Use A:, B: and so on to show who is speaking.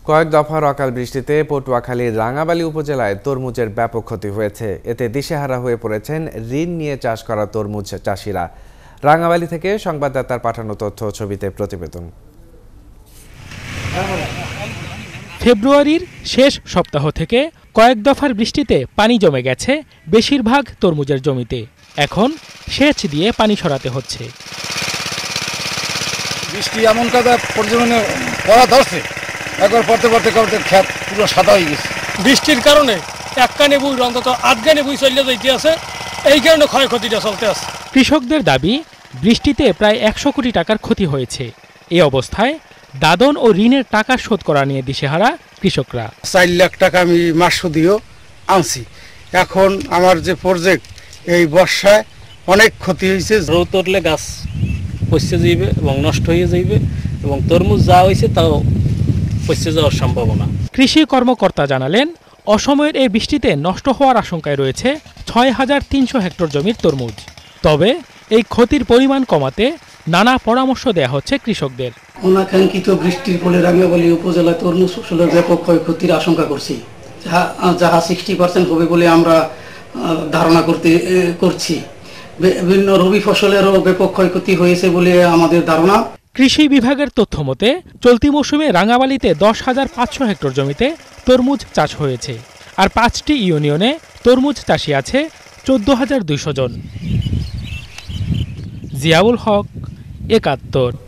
A: কয়েক দফার অকাল বৃষ্টিতে পটুয়াখালীর রাঙাবালী উপজেলায় তরমুজের ব্যাপক ক্ষতি হয়েছে। এতে দিশেহারা হয়ে পড়েছেন ঋণ নিয়ে চাষ করা তরমুজ চাষিরা। রাঙাবালী থেকে সংবাদদাতার পাঠানো তথ্য ছবিতে প্রতিবেদন।
B: ফেব্রুয়ারির শেষ সপ্তাহ থেকে কয়েক দফার বৃষ্টিতে পানি জমে গেছে বেশিরভাগ তরমুজের জমিতে। এখন সেচ দিয়ে পানি সরাতে হচ্ছে।
C: বৃষ্টি এমন কাদা পরিমাণে পড়া ধরছে, একবার পড়তে পড়তে পড়তে ক্ষেত পুরো সাদা হয়ে গেছে।
D: বৃষ্টির কারণে এক কানে বই অন্তত আধ কানে বই চলে যাইতে আছে, এই কারণে ক্ষয়ক্ষতিটা চলতে আছে।
B: কৃষকদের দাবি, বৃষ্টিতে প্রায় 100 কোটি টাকার ক্ষতি হয়েছে। এই অবস্থায় দাদন ও ঋণের টাকা শোধ করা নিয়ে দিশেহারা কৃষকরা।
C: 4 লাখ টাকা আমি মাস সুদিও আনছি। এখন আমার যে প্রজেক্ট, এই বর্ষায় অনেক ক্ষতি হয়েছে।
D: রোদ উঠলে গাছ পচে যাইবে এবং নষ্ট হয়ে যাইবে, এবং তরমুজ যা হয়েছে তাও পচে যাওয়ার সম্ভাবনা।
B: কৃষি কর্মকর্তা জানালেন, অসময়ের এই বৃষ্টিতে নষ্ট হওয়ার আশঙ্কায় রয়েছে 6300 হেক্টর জমির তরমুজ। তবে এই ক্ষতির পরিমাণ কমাতে নানা পরামর্শ দেয়া হচ্ছে কৃষকদের।
E: অনাকাঙ্ক্ষিত বৃষ্টির ফলে রাঙ্গাবালী উপজেলায় তরমুজ ফসলের ব্যাপক ক্ষয়ক্ষতির আশঙ্কা করছি, যাহা 60% হবে বলে আমরা ধারণা করছি। বিভিন্ন রবি ফসলেরও ব্যাপক ক্ষয়ক্ষতি হয়েছে বলে আমাদের ধারণা।
B: কৃষি বিভাগের তথ্য মতে চলতি মৌসুমে রাঙাবালীতে 10,500 হেক্টর জমিতে তরমুজ চাষ হয়েছে। আর 5টি ইউনিয়নে তরমুজ চাষি আছে 14,200 জন। জিয়াউল হক, 71।